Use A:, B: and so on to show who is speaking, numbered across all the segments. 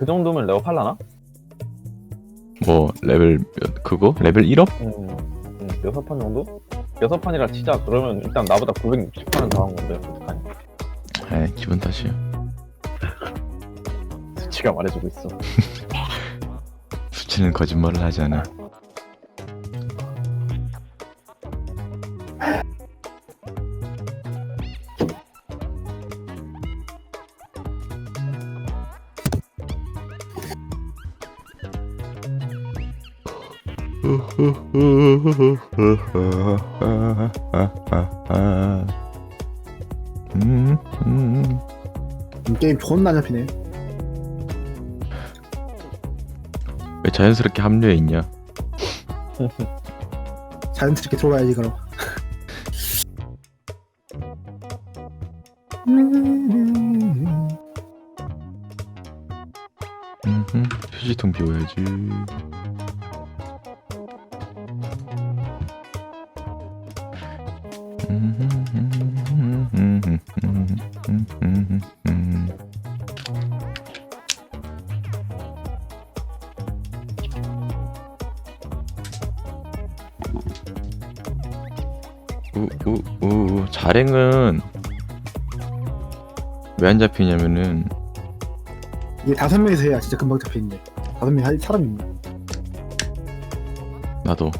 A: 정도면 레어 팔라나?
B: 뭐 레벨 그거? 레벨 1업?
A: 6판 정도? 6판이라 치자. 그러면 일단 나보다 960판은 더 한 건데 어떡하니?
B: 에이 기분 탓이야.
A: 수치가 말해주고 있어.
B: 수치는 거짓말을 하지 않아.
C: 게임 존나 잡히네.
B: 왜 자연스럽게 합류해 있냐?
C: 자연스럽게 들어가야지 그럼.
B: 휴지통 비워야지. 자랭은 왜 안 잡히냐면은
C: 이게 5명이서 해야 진짜 금방 잡히는데 5명이 할 사람이 있네.
B: 나도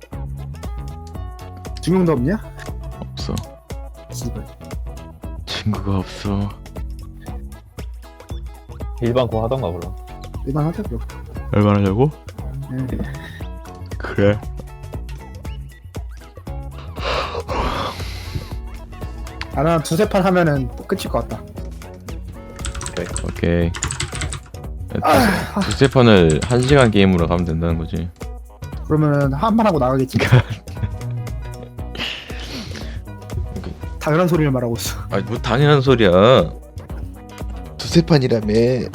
C: 2명도 없냐?
B: 없어.
C: 씨발.
B: 친구가 없어.
A: 일반 고 하던가 그럼.
C: 일반 하자 그럼.
B: 얼마나 하려고?
C: 네.
B: 그래.
C: 한 2-3판 하면은 끝일 것 같다.
B: 오케이. 두세 판을 1시간 게임으로 가면 된다는 거지.
C: 그러면은 한 판 하고 나가겠지. 당연한 소리를 말하고 있어.
B: 아니 뭐 당연한 소리야. 두세 판이라며.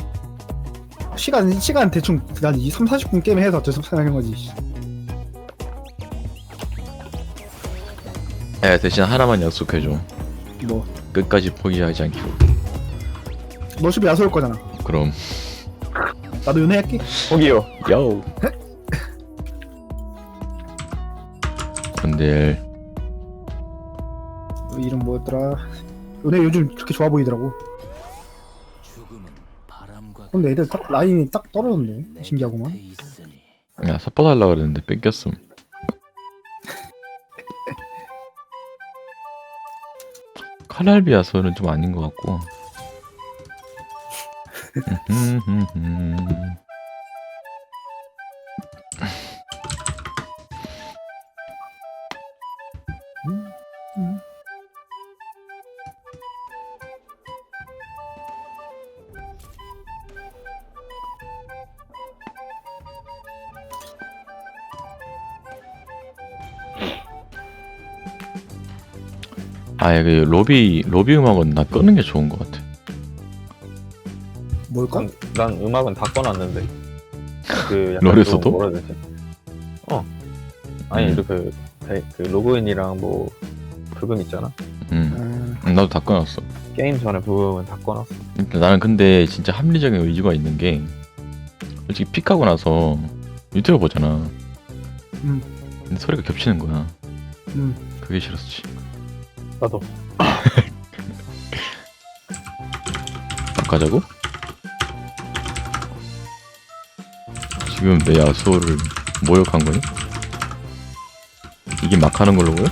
C: 시간 대충 난 3-40분 게임 해서 어쩔 수 없어 하는 거지.
B: 야 대신 하나만 약속해줘.
C: 뭐
B: 끝까지 포기하지 않기로.
C: 너 집에 야소올 거잖아.
B: 그럼.
C: 나도 연애할게.
A: 거기요.
B: 요. 근데
C: 너 이름 뭐였더라? 연애 요즘 그렇게 좋아 보이더라고. 근데 애들 딱 라인이 딱 떨어졌네. 신기하구만.
B: 야 삿포 달라 그랬는데 뺏겼음. 칼날비아서는 좀 아닌 것 같고. 아예 그 로비 음악은 나 끄는 게 좋은 것 같아.
C: 뭘까?
A: 난 음악은 다 꺼놨는데. 그 약간
B: 롤에서도?
A: 좀 뭐라 해야 되지? 아니 그 로그인이랑 뭐 부금 있잖아.
B: 나도 다 꺼놨어.
A: 게임 전에 부금은 다 꺼놨어.
B: 나는 근데 진짜 합리적인 의지가 있는 게 솔직히 픽하고 나서 유튜브 보잖아. 근데 소리가 겹치는 거야. 그게 싫었지.
A: 나도.
B: 바꿔자고? 지금 내 야수를 모욕한 거니? 이게 막 하는 걸로 보여?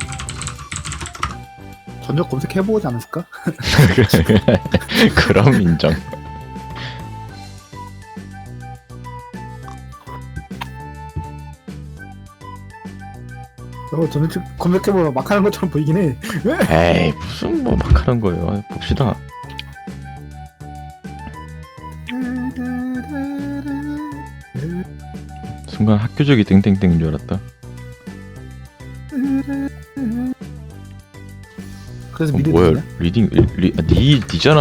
C: 전적 검색해보지 않았을까?
B: 그럼 인정.
C: 전적 검색해보면 막 하는 것처럼 보이긴 해.
B: 에이 무슨 뭐 막 하는 거예요. 봅시다. 순간 학교적이 땡땡땡인 줄 알았다.
C: 그래서 미드
B: 뭐야
C: 되냐?
B: 리딩 니잖아.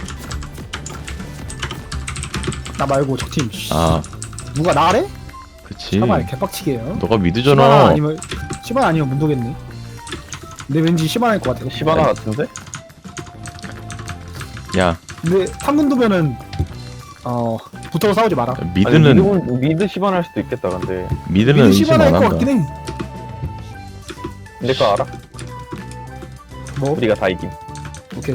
C: 나 말고 적팀.
B: 아
C: 누가 나래?
B: 그치.
C: 잠깐만 개빡치게 해요.
B: 너가
C: 시바나
B: 미드잖아.
C: 아니면 문도겠네. 근데 왠지 시바나일 것 같아.
A: 시바나 같은데?
B: 야
C: 근데 3문도면은 붙어서 싸우지 마라.
B: 미드는
A: 미드 시반할 수도 있겠다. 근데
B: 미드는 의심
C: 시바나
B: 안
C: 할것
B: 한다.
C: 같긴 해.
A: 내 거 알아?
C: 뭐?
A: 우리가 다 이김.
C: 오케이.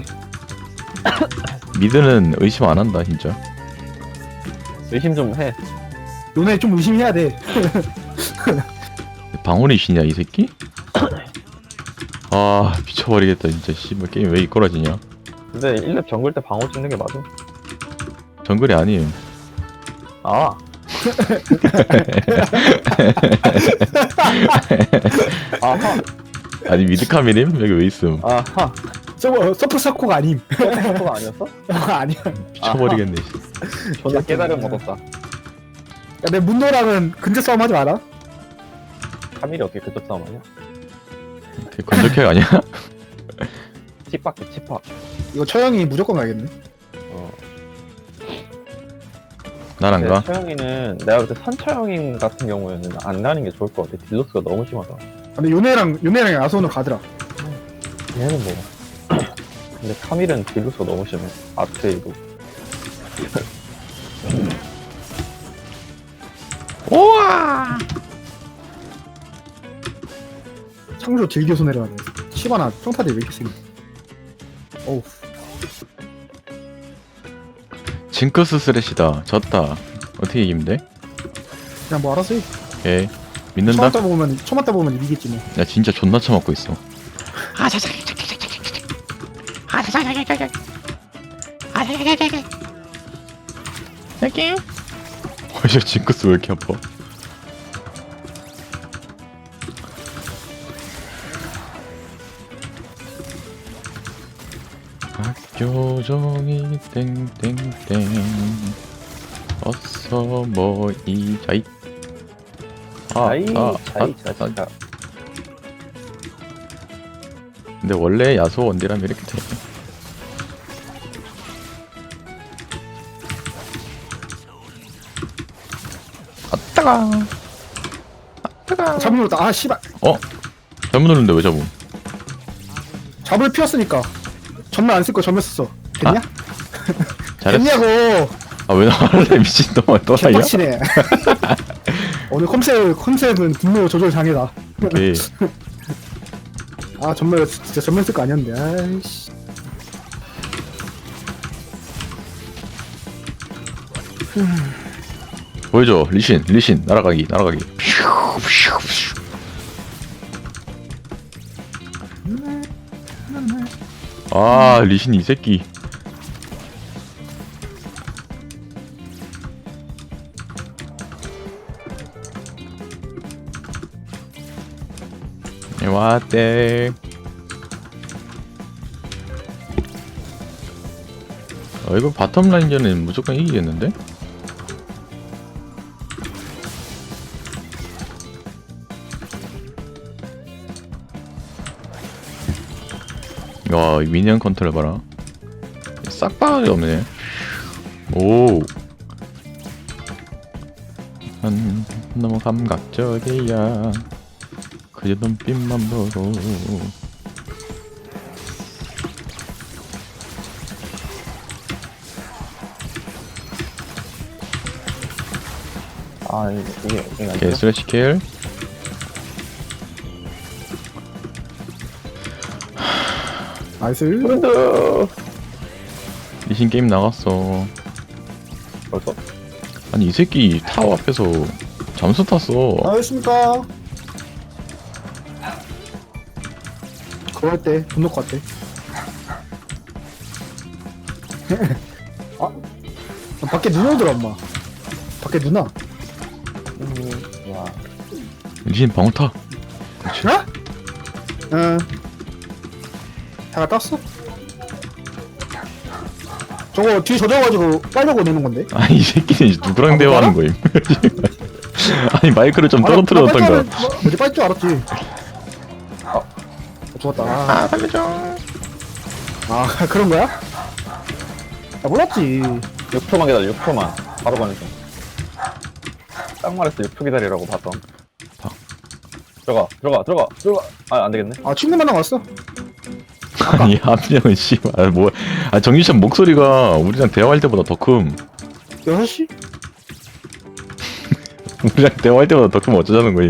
B: 미드는 의심 안 한다 진짜.
A: 의심 좀 해.
C: 너네 좀 의심해야 돼.
B: 방울이 신이야 이 새끼? 아 미쳐버리겠다 진짜. 씨발 게임 왜 이꼬라지냐.
A: 근데 1렙 정글 때 방어 찍는 게 맞아?
B: 정글이 아니에요.
A: 아. 아하.
B: 아니 미드카미님 여기 왜 있음.
A: 아하.
C: 저거 서프 사코가 아님.
A: 그거 아니었어?
C: 아니야.
B: 미쳐버리겠네.
A: 존나 깨달음 얻었다.
C: 야, 내 문도랑은 근접 싸움 하지 마라.
A: 카밀이 어떻게 그쪽 싸움하냐?
B: 되게 건조캐 아니야?
A: 칩박해 칩박.
C: 이거 처형이 무조건 가야겠네.
A: 어.
B: 난 안 가.
A: 처형이는 내가 그때 선처형인 같은 경우에는 안 가는 게 좋을 것 같아. 딜로스가 너무 심하다.
C: 근데 요네랑 야소는 가더라.
A: 얘는 뭐. 근데 카밀은 딜로스가 너무 심해. 아트에도.
B: 우와.
C: 창조 딜교수 내려가네. 시바나 평타대 왜 이렇게 세게? 어우.
B: 징크스 스레시다. 졌다. 어떻게 이기면 돼?
C: 그냥 뭐 알아서 해.
B: 오케이. 믿는다?
C: 처맞다 보면 이기겠지 뭐.
B: 야 진짜 존나 처먹고 있어. 어이 징크스 왜 이렇게 아파? 학교 종이 땡땡땡 어서 모이자이.
A: 자이 자이.
B: 근데 원래 야소 원딜하면 이렇게 돼. 아 따가. 아 따가.
C: 잡으면 아 씨발.
B: 잘못 누르는데 왜 잡음?
C: 잡을 피웠으니까. 전면 안 쓸 거 전면 썼어. 됐냐?
B: 잘했어.
C: 됐냐고.
B: 아 왜 나갈래 미친놈아 또라이야?
C: 개빡치네. 오늘 컨셉은 분노 조절 장애다.
B: 오케이.
C: 아 전면 진짜 전면 쓸 거 아니었는데. 아이씨.
B: 보여줘 리신 날아가기. 아 리신 이 새끼. 왔대. 이거 바텀 라인전은 무조건 이기겠는데? 와, 이 미니언 컨트롤 봐라. 싹바닥이 없네. 오. 너무 감각적이야. 그저 눈빛만 보고.
A: 아 이게
B: 오케이,
A: 아니야?
B: 슬래시 킬.
C: 나이스.
A: 그런데
B: 리신 게임 나갔어.
A: 벌써?
B: 아니 이 새끼 타워 앞에서 잠수 탔어.
C: 나이스입니까? 그거 할 때 돈 넣고 왔대. 아, 밖에 누나 오더라 엄마. 밖에 누나.
A: 와.
B: 리신 방어 타. 그렇지.
C: 어? 응. 다가 땄어? 저거 뒤에 젖어가지고 빨려고 내는 건데.
B: 아니 이 새끼는 이제 누구랑 대화하는 거임? 아니 마이크를 좀 떨어뜨렸던가.
C: 뭐지 빨줄 알았지. 죽었다.
B: 아 살려줘.
C: 아 그런 거야? 나 몰랐지.
A: 6초만 기다려. 6초만. 바로 가는 중. 딱 말했어. 6초 기다리라고 봤던. 들어가. 아 안되겠네.
C: 아 친구만 나왔어.
B: 아니 한 명은 씨발 뭐. 아 정유찬 목소리가 우리랑 대화할 때보다 더 큼.
C: 6시?
B: 그냥 대화할 때마다 더 크면 어쩌자는 거임.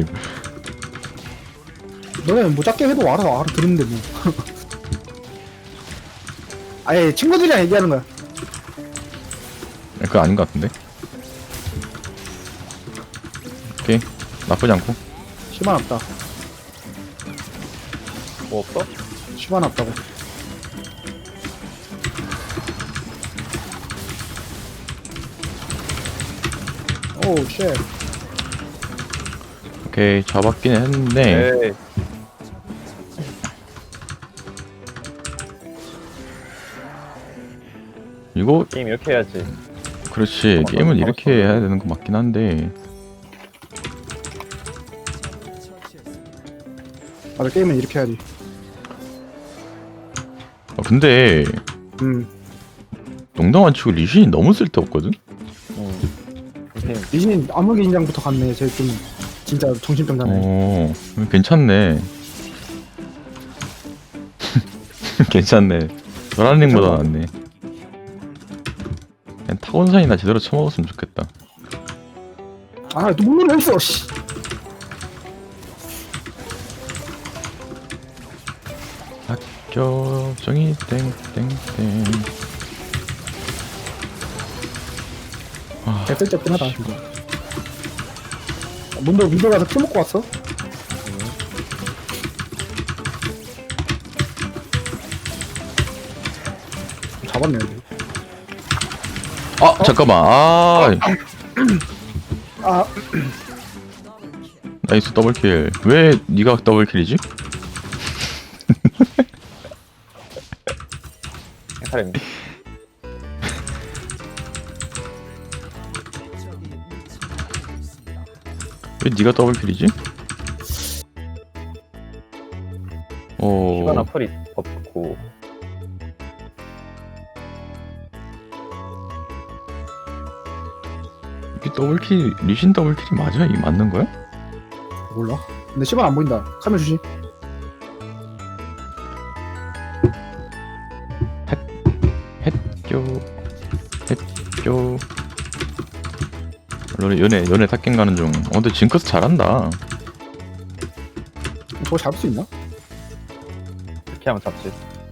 C: 너네 뭐 작게 해도 알아들는데 뭐. 아예 친구들이랑 얘기하는 거야.
B: 그거 아닌 것 같은데. 오케이, 나쁘지 않고.
C: 10만 없다.
A: 뭐 없어?
C: 10만 없다고. 오우 쉣.
B: 오케이, 잡았긴 했는데.
A: 에이.
B: 이거
A: 게임 이렇게 해야지.
B: 그렇지, 게임은 이렇게 해야 되는 거 맞긴 한데.
C: 맞아, 게임은 이렇게 해야지.
B: 근데 농담 안 치고 리신이 너무 쓸데없거든?
A: 이 게임
C: 리신 암흑의 인장부터 갔네. 쟤 좀 진짜 정신병자네.
B: 괜찮네. 괜찮네. 노란링보다 낫네. 그냥 타곤산이나 제대로 쳐먹었으면 좋겠다.
C: 아, 또 문을 했어. 씨.
B: 학교 정이 땡땡땡.
C: 개 쓸데없긴 하다 진짜. 문도 가서 피 먹고 왔어? 잡았네 여기.
B: 잠깐만.
C: 아,
B: 나이스 더블킬. 왜 네가 더블킬이지?
A: 사람인데.
B: 왜 네가 더블킬이지?
A: 시바나 풀이 없고.
B: 이게 더블킬, 리신 더블킬이 맞아? 이 맞는 거야?
C: 몰라. 근데 시간 안 보인다. 카메라 주시.
B: 했죠. 연애 탑갱 가는 중. 근데 징크스 잘한다.
C: 저거 잡을 수 있나?
A: 이렇게 하면 잡지.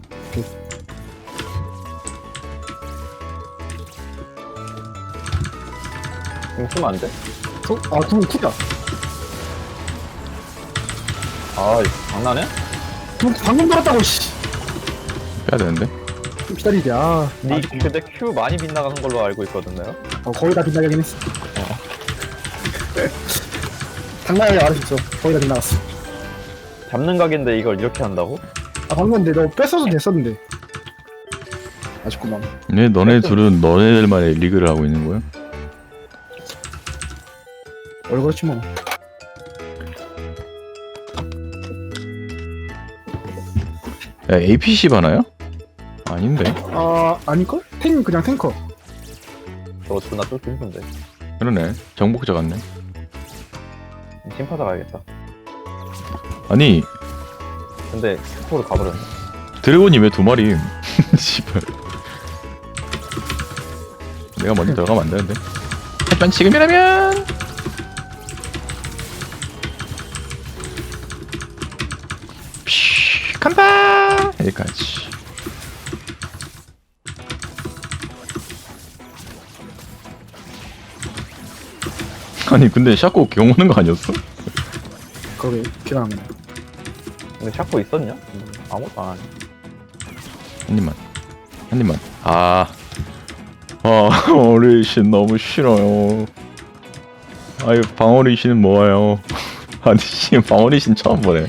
A: 이거 쓰면 안 돼?
C: 그거 쿨이야.
A: 아, 이거 장난해?
C: 그거 방금 들었다고 씨.
B: 빼야 되는데.
C: 좀 기다리게. 아,
A: 니 근데 큐 많이 빗나가는 걸로 알고 있거든요.
C: 거의 다 빗나가긴 했어. 당당하게 말할 수 있어. 거의 다 빗나갔어.
A: 잡는 각인데 이걸 이렇게 한다고?
C: 아, 방금 근데 너 뺐어도 됐었는데. 아쉽구만.
B: 네, 너네 둘은 너네들만의 리그를 하고 있는 거야?
C: 그렇지 뭐.
B: 야, APC 바나야? 아닌데.
C: 아, 아닐걸? 그냥 탱커.
A: 저거 존나 뚫기 힘든데.
B: 그러네. 정복자 같네.
A: 심파사 가야겠다.
B: 아니,
A: 근데 스포로 가버렸네.
B: 드래곤이 왜 두 마리? 씨발. 내가 먼저 들어가면 안 되는데. 하지만 지금이라면. 피 간다. 여기까지. 아니 근데 샤코 경 오는 거 아니었어?
C: 거기 기가 안 나.
A: 근데 샤코 있었냐? 아무것도 안 하네.
B: 한 입만. 어르신 너무 싫어요. 아유 방어리신 뭐예요? 아니 씨 방어리신 처음 보네.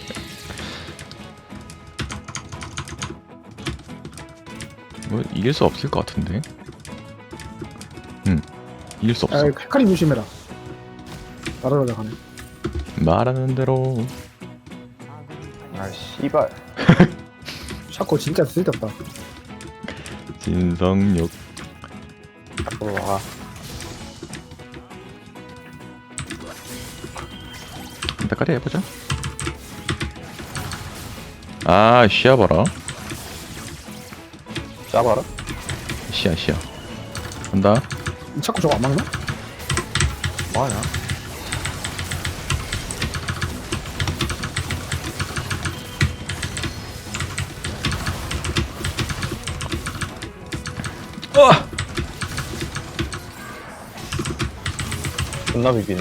B: 뭐 이길 수 없을 것 같은데. 이길 수 없어.
C: 아, 헤카림 조심해라. 날아가자 가네.
B: 말하는 대로.
A: 아, 씨발.
C: 샤코 진짜 쓸데없다.
B: 진성욕.
A: 샤코로 와.
B: 한타까지 해보자. 시야 봐라.
A: 짜봐라.
B: 시야. 간다.
C: 샤코 저거 안 막나?
A: 뭐하냐? 존나 비비네.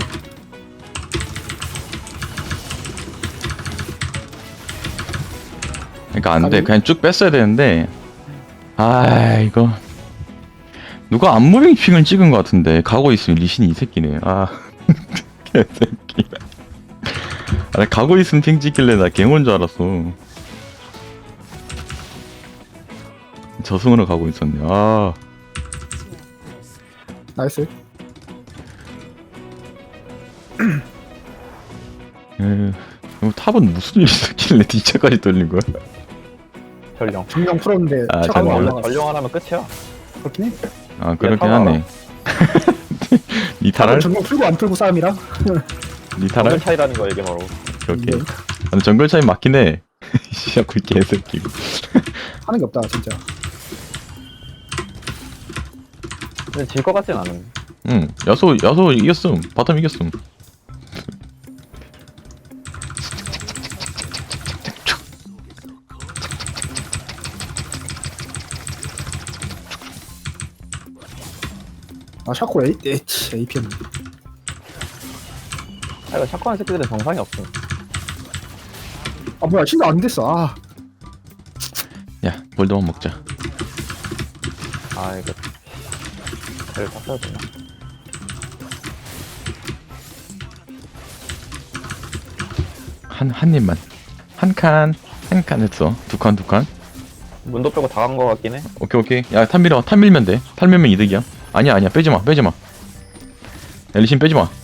B: 그러니까 안 돼.
C: 아니.
B: 그냥 쭉 뺐어야 되는데. 아 이거 누가 안무빙 핑을 찍은 것 같은데 가고 있으면 리신이 이 새끼네. 아 개새끼. 아, 나 가고 있으면 핑 찍길래 나 갱온 줄 알았어. 저승으로 가고 있었네. 아
C: 나이스.
B: 탑은 무슨 일이 있었길래 D차까지 돌린 거야?
A: 전령.
C: 정령 풀었는데
B: 아,
C: 차가
B: 전령.
A: 원래
C: 올라가.
A: 전령 하나면 끝이야.
C: 그렇긴 해.
B: 아 그렇긴
A: 타라.
B: 하네. 니 탈할?
C: 정령 풀고 안 풀고 싸움이라.
B: 니
A: 정글
B: 탈할?
A: 차이라는 거 이게 바로.
B: 오케이. 아, 정글 차이 맞긴 해. 시작구 개새끼.
C: 하는 게 없다 진짜.
A: 근데 질 것 같진 않은.
B: 응. 야소 이겼음. 바텀 이겼음.
C: 아 샤코 APM.
A: 아 이거 샷건한 새끼들은 정상이 없음.
C: 아 뭐야 진짜 안 됐어. 아
B: 야, 볼드만 먹자.
A: 아 이거 배를 다 써야 되나?
B: 한 입만. 한 칸 했어. 두 칸.
A: 문도 빼고 다 간 거 같긴 해.
B: 오케이. 야, 탑 밀면 돼. 탑 밀면 이득이야. 아니야. 빼지 마. 야, 리신 빼지 마.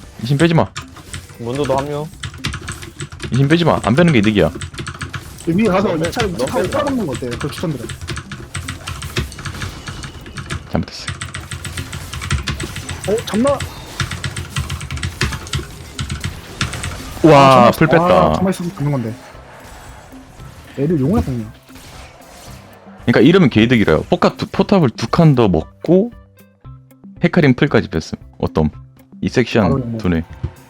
A: 문도도 합류.
B: 리신 빼지 마. 안 빼는 게 이득이야.
C: 위에 가서
A: 너무
C: 차를
A: 너무
C: 차를
A: 빼다.
C: 따먹는 거 어때? 그걸 추천드려.
B: 잘못했어.
C: 잠나.
B: 와, 풀 뺐다.
C: 가만히 있어서 잡는 건데. 애들 용을 뽑냐?
B: 그러니까 이러면 개이득이래요. 포탑을 두 칸 더 먹고 헤카림 풀까지 뺐음. 어떤 이 섹션 두네.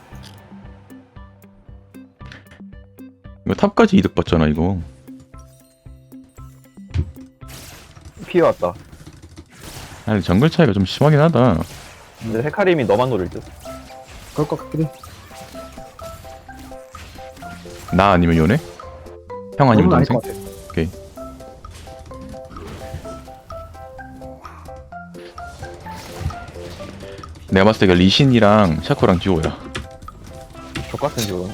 B: 이거 탑까지 이득 봤잖아 이거.
A: 피해 왔다.
B: 아니 정글 차이가 좀 심하긴 하다.
A: 근데 헤카림이 너만 노릴 듯.
C: 그럴 것 같긴 해.
B: 나 아니면 요네? 형 아니면
C: 너는 아닐
B: 동생?
C: 것 같아.
B: 오케이. 내가 봤을 때 그 리신이랑 샤코랑 듀오야.
A: 족같은 지금.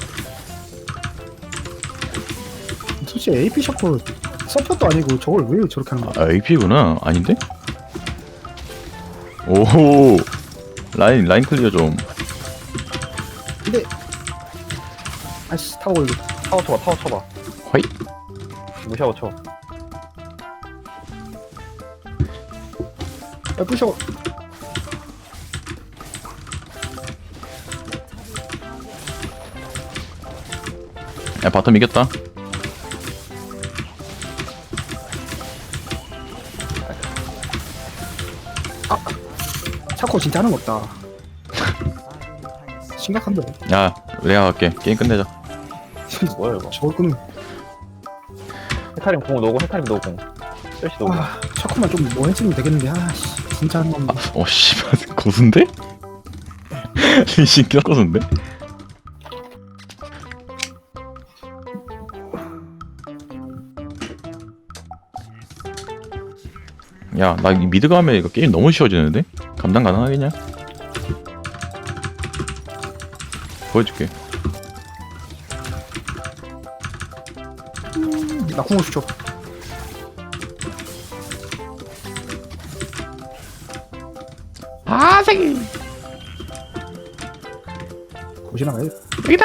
C: 솔직히 AP 샤코 서폿도 아니고 저걸 왜 저렇게 하는 거야?
B: 아 AP구나. 아닌데? 오 라인 클리어 좀.
C: 근데 아씨 타고 걸려.
A: 타워 쳐봐.
B: 화이.
A: 무시하고 쳐.
C: 야 부셔.
B: 야 바텀 이겼다.
C: 샤코 진짜 하는 거 없다. 심각한데.
B: 야 내가 갈게. 게임 끝내자.
A: 뭐야 이거.
C: 저걸 끄는.
A: 헤카림 공 놓고 헤카림 놓고 공. 셀시 놓고.
C: 아 샤코만 좀 뭐 했으면 되겠는데. 아씨 진짜 하는 건데.
B: 씨발 고수인데? 리신 껴고수인데? 야, 나 미드 가면 이거 게임 너무 쉬워지는데? 감당 가능하겠냐? 보여줄게.
C: 나 공을 줘.
B: 아, 새끼!
C: 보시나 봐요.
B: 여기다!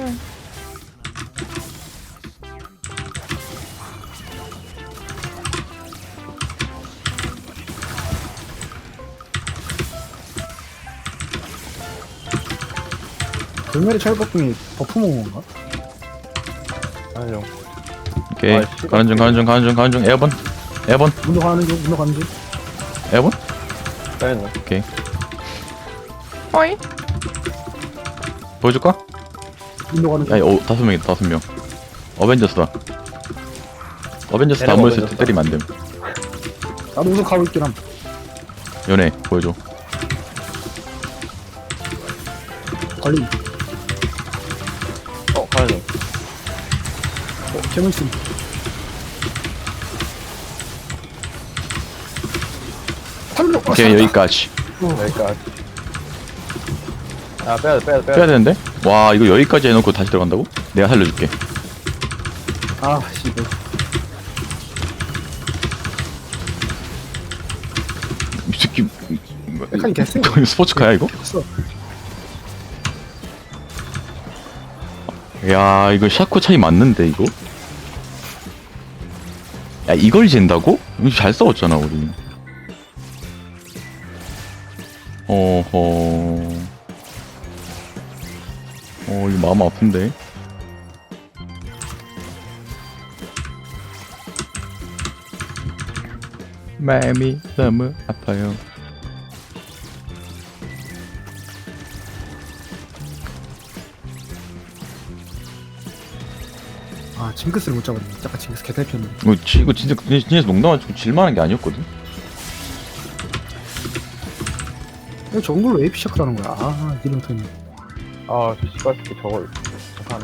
C: 돌메리 철법궁이 버프 먹은 건가?
A: 아니요.
B: 오케이.
A: 아, 씨발.
B: 가는 중. 에어본.
C: 문도 가는 중.
B: 에어본?
A: 빼냈네.
B: 오케이. 어이? 보여줄까?
C: 문도 가는 중.
B: 야, 오, 5명이다, 5명. 어벤져스다. 어벤져스 다
A: 얘네가
B: 모였을 때
A: 어벤져스다.
B: 때리면 안 됨.
C: 나도 우선 가고 있긴 함.
B: 연애 보여줘.
C: 걸림.
A: 가야지.
C: 개물심. 탈로.
B: 오케이 여기까지.
A: 여기까지. 야, 빼야 돼, 빼야 돼, 빼야
B: 빼야
A: 돼.
B: 되는데? 와 이거 여기까지 해놓고 다시 들어간다고? 내가 살려줄게.
C: 아 씨발.
B: 이 새끼
C: 백한이 개쎄.
B: 이거 스포츠카야 이거?
C: 없어.
B: 야 이거 샤코 차이 맞는데 이거? 야 이걸 잰다고? 이거 잘 싸웠잖아 우리. 어허. 이거 마음 아픈데. 마음이 너무 아파요.
C: 아 징크스를 못 잡았네. 잠깐 징크스 개탈피었네.
B: 이거 진짜 농담하고 질만한 게 아니었거든.
C: 이거 저런 걸로 AP 샤크라는 거야. 아 이름 터네.
A: 아, 씨발, 새끼 저걸. 하네.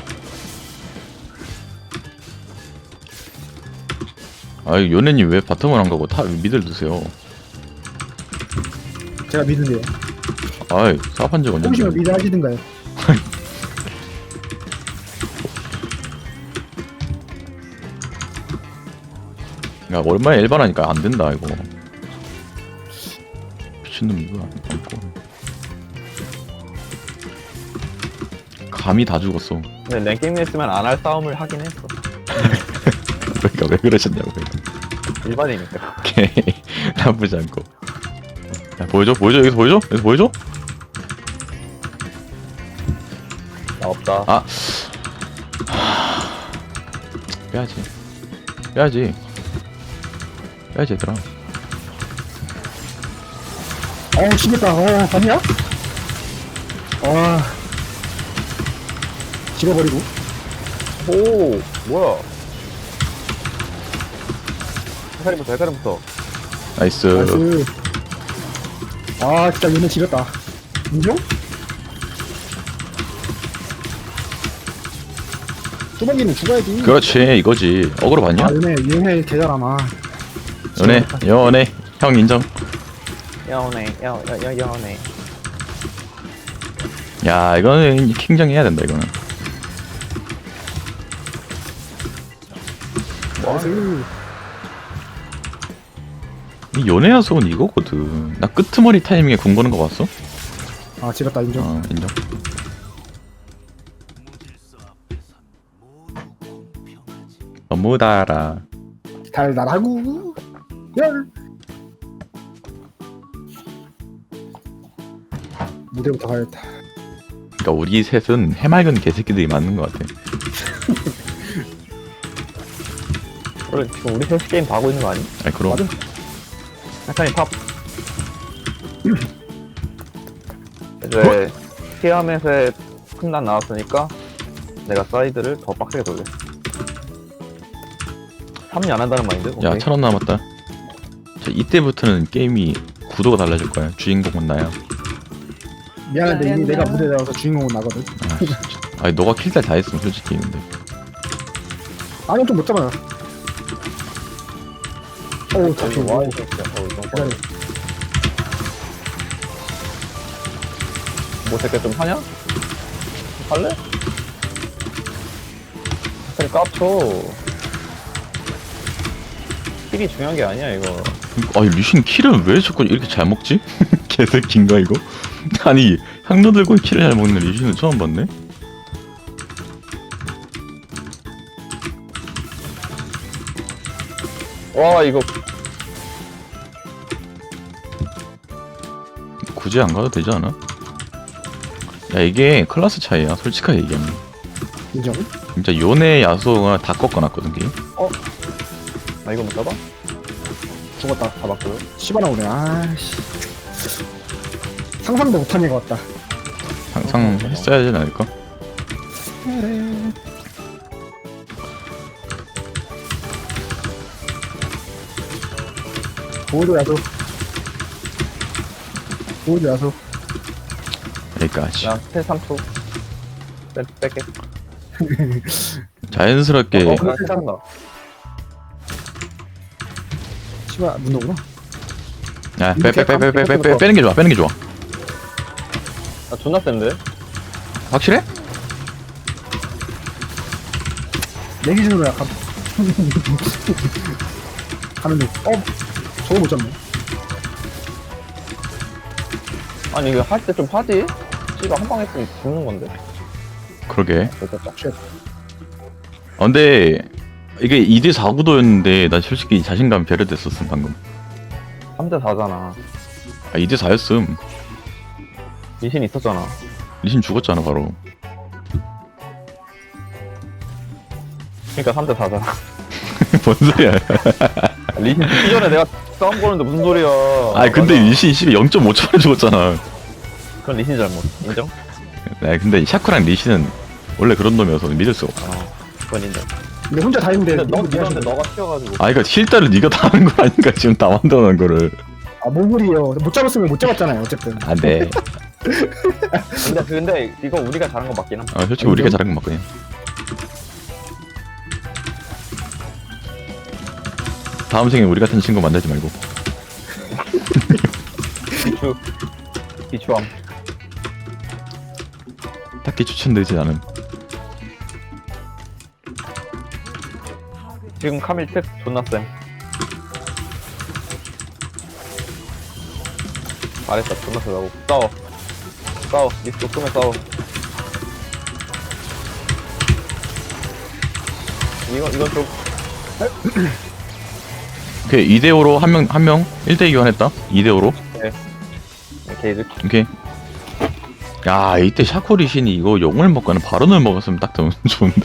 B: 아이 연애님 왜 바텀을 안 가고 탑 미드를 드세요?
C: 제가 믿는데요.
B: 아이 사업한 적
C: 혹시나
B: 언젠데?
C: 미드 하시든가요?
B: 야 얼마에 일반하니까 안 된다 이거. 미친놈 이거 안 먹고. 감이 다 죽었어.
A: 근데 랭게임 했으면 안 할 싸움을 하긴 했어.
B: 그러니까 왜 그러셨냐고.
A: 일반이니까.
B: 오케이 나쁘지 않고. 야 보여줘 여기서 보여줘 여기서 보여줘.
A: 나 없다.
B: 아 빼야지 빼야지 빼야지 얘들아.
C: 죽겠다. 아니야? 집어버리고.
A: 오, 뭐야. 해카림부터, 해카림부터.
B: 나이스.
C: 나이스. 아 진짜 얘네 지렸다. 인정? 뚜벅이는 죽어야지.
B: 그렇지 이거지. 어그로 봤냐?
C: 아 얘네 개잘하나.
B: 연애 형 인정.
A: 연애.
B: 야 이거는 킹정 해야 된다 이거는.
C: 나이스.
B: 이 연애 야수는 이거거든. 나 끄트머리 타이밍에 궁 보는 거 봤어?
C: 아 지렸다 인정.
B: 인정. 너무 달아.
C: 달달하고 열. 무대부터 가야겠다.
B: 그러니까 우리 셋은 해맑은 개새끼들이 맞는 것 같아.
A: 원래 지금 우리 셋이 게임 다 하고 있는 거 아니?
B: 아니 그럼.
C: 맞아.
A: 해카림 탑. 이제 티아멧에 큰난 나왔으니까 내가 사이드를 더 빡세게 돌려. 3리 안 한다는 마인드?
B: 야
A: 오케이.
B: 1000원 남았다. 자 이때부터는 게임이 구도가 달라질 거야. 주인공은 나야.
C: 미안한데 이미 내가 무대에 나와서 주인공은 나거든.
B: 아, 진짜. 아니 너가 킬달 다 했으면 솔직히 근데.
C: 아니 좀 못 잡아요. 어우 잡히
A: 와,
C: 와.
A: 이 새끼야. 이거
C: 기다려.
A: 뭐 새끼 좀 하냐? 할래? 해카림 깝쳐. 킬이 중요한 게 아니야 이거.
B: 아니 리신 킬은 왜 자꾸 이렇게 잘 먹지? 개새끼인가 이거? 아니 향로 들고 킬을 잘 먹는 리신은 처음 봤네?
A: 와 이거
B: 굳이 안 가도 되지 않아? 야 이게 클래스 차이야 솔직하게 얘기하면.
C: 인정.
B: 진짜 요네 야소가 다 꺾어놨거든 게임.
A: 나 이거 못 잡아?
C: 죽었다.
A: 다 맞고요.
C: 시바나 오네. 아씨. 상상도 못한 애가 왔다.
B: 항상 했어야 되지 않을까?
C: 보호도 야소. 보호도 야소.
B: 여기까지.
A: 나 스텔 3초. 뺄게.
B: 자연스럽게
A: 나 괜찮다.
C: 씨발 문도구나.
B: 빼는 게 좋아. 빼는 게 좋아.
A: 나 존나 센데?
B: 확실해?
C: 내 기준으로 약간. 가는데. 저거 못 잡네.
A: 아니 이거 할 때 좀 하지? 씨가 한 방 했으면 죽는 건데.
B: 그러게.
A: 됐다.
C: 쉣.
B: 근데 이게 2대 4구도였는데 나 솔직히 자신감 배려됐었음 방금.
A: 3대 4잖아.
B: 아 2대 4였음.
A: 리신 있었잖아.
B: 리신 죽었잖아 바로.
A: 그니까 3대 4잖아.
B: 뭔 소리야?
A: 리신 죽기 전에 내가 싸움 거는데 무슨 소리야.
B: 아 근데
A: 맞아.
B: 리신 0.5초만에 죽었잖아.
A: 그건 리신 잘못. 인정?
B: 네, 근데 샤크랑 리신은 원래 그런 놈이어서 믿을 수가 없어.
A: 그건 인정.
C: 근데 혼자 다 했는데.
A: 근데 너
C: 미안해.
A: 밀었는데 너가 튀어가지고.
B: 아 이거 힐다를 네가 다 하는 거 아닌가 지금 다 만들어놓은 거를.
C: 뭔 소리예요. 못 잡았으면 못 잡았잖아요. 어쨌든.
B: 안돼.
A: 근데 이거 우리가 잘한 거 맞긴 함.
B: 솔직히 우리가 잘한 건 맞거든. 다음 생에 우리 같은 친구 만들지 말고.
A: 비추함.
B: 딱히 추천되지 않은.
A: 지금 카밀 특 존나 쌤. 말했다 존나 세다고. 싸워. 리스트 끄면 싸워. 이건 좀
B: 오케이 2대5로 한 명 1대2 교환했다. 2대5로.
A: 게이드.
B: 오케이. 야 이때 샤코 리신이 이거 용을 먹거나 바론을 먹었으면 딱 더 좋은데.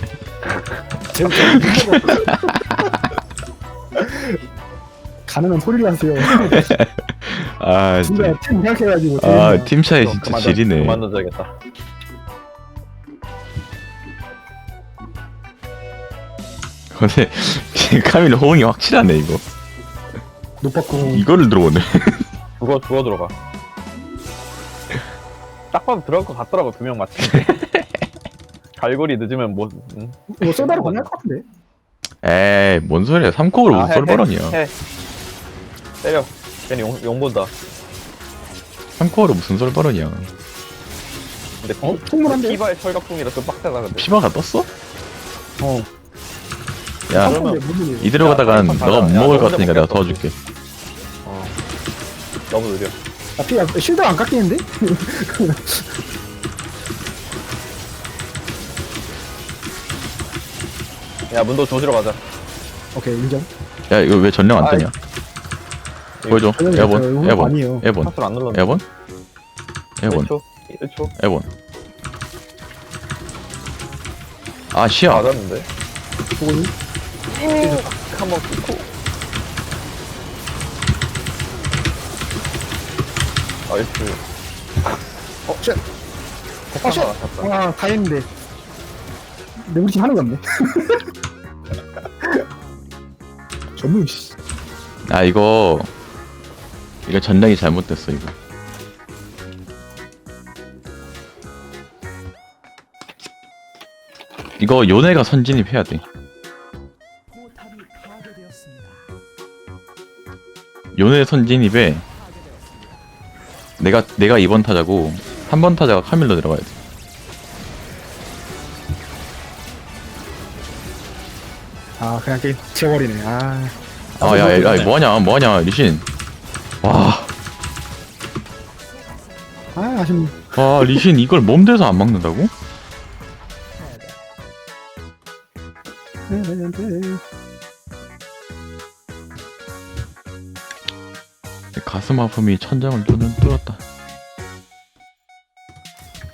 C: 가능한 소리를 하세요.
B: 아 진짜.
C: 진짜 팀 생각해가지고.
B: 아 팀 차이 진짜 지리네.
A: 그만 던져야겠다.
B: 근데 카밀 호응이 확실하네 이거.
C: 높았고.
B: 이거를 들어오네.
A: 죽어 들어가. 딱 봐도 들어갈 것 같더라고. 2명 맞추는데. 갈고리 늦으면 뭐.
C: 이거 쏘다로 가능할 것 같은데.
B: 에이 뭔 소리야. 3컵을 무슨 썰버런이야.
A: 해. 때려. 괜히 용 본다.
B: 3컵으로 무슨 썰버런이야.
A: 근데
C: 통문한데.
A: 피바의 철갑풍이라 좀 빡세다 근데.
B: 피바가 떴어? 야
A: 그러면
B: 이대로 가다간
A: 빨리
B: 너가 못
A: 가자.
B: 먹을
A: 야,
B: 것 같으니까 내가
A: 혼자
B: 도와줄게.
A: 너무 느려.
C: 실드가 안 깎이는데?
A: 야 문도 조지러 가자.
C: 오케이 인정.
B: 야 이거 왜 전령 안 뜨냐? 보여줘.
C: 전령이
B: 에본
C: 없어요. 아니에요.
B: 에본
A: 파스를 안 눌렀네.
B: 에본
A: 1초. 1초.
B: 에본. 아 시야.
A: 맞았는데.
C: 보고니.
A: 한번 끊고. 나이스.
C: 쉣.
A: 폭탄
C: 쉣.
A: 하나 샀다.
C: 다 했는데. 근데 우리 팀 하는 거 없네. 전무 씨.
B: 아 이거 전략이 잘못됐어 이거. 이거 요네가 선진입해야 돼. 요네 선진입에 내가 2번 타자고 3번 타자가 카밀로 들어가야 돼.
C: 그냥 게임 지워버리네.
B: 야, 뭐하냐 리신.
C: 아쉽네.
B: 리신 이걸 몸대서 안 막는다고? 가슴 아픔이 천장을 뚫었다.